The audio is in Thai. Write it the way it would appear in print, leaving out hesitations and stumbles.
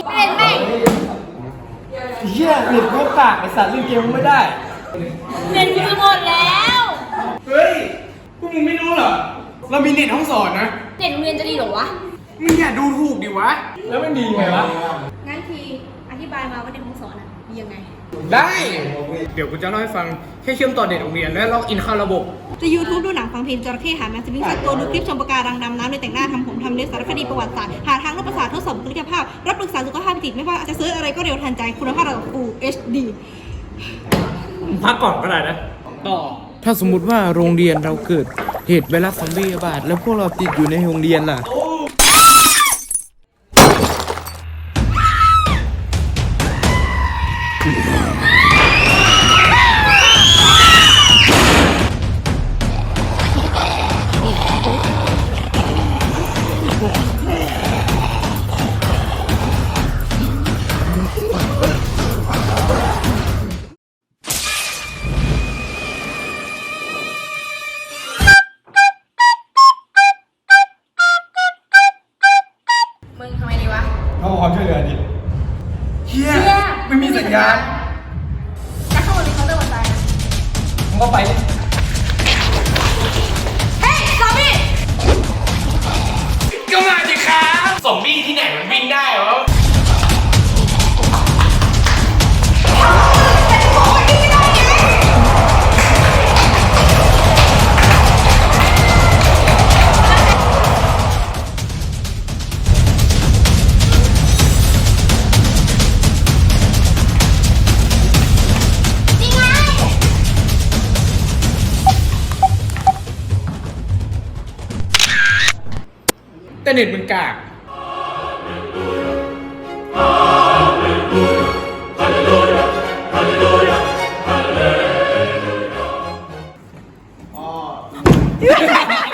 เล่นแม่งเหี้ยเน็ตก็กากไอสัตว์เล่นเกมไม่ได้เล่นคือหมดแล้วเฮ้ยพวกมึงไม่รู้เหรอเรามีเน็ตห้องสอนนะเด็กโรงเรียนจะดีเหรอวะมึงอย่าดูถูกดิวะแล้วมันดีไงวะงั้นทีอธิบายมาว่าเด็กห้องสอนอ่ะมียังไงได้ เดี๋ยวกูจะเล่าให้ฟังแค่เชื่อมต่อเน็ตโรงเรียนและล็อกอินเข้าระบบจะ YouTube ดูหนังฟังเพลงจระเข้หาแมวสวิงสัตว์ตัวดูคลิปชมปะการังดำน้ำโดยแต่งหน้าทำผมทำเล็บสารคดีประวัติศาสตร์หาทางลดประสาททดสอบบุคลิกภาพรับปรึกษาสุขภาพจิตไม่ว่าจะซื้ออะไรก็เร็วทันใจคุณภาพระดับ Full HD พักก่อนก็ได้นะ ต่อถ้าสมมุติว่าโรงเรียนเราเกิดเหตุไวรัสซอมบี้ระบาดแล้วพวกเราติดอยู่ในโรงเรียนล่ะมึงทำไมดีวะเขาขอความช่วยเหลือดิเฮียไม่มีสัญญาณจะเข้ามาในเคาน์เตอร์วันตายนะมึงก็ไปดิเฮ้ยซอมบี้ก็มาสิครับซอมบี้ที่ไหนมันวิ่งได้เหรอ แต่เน็ตมันกาก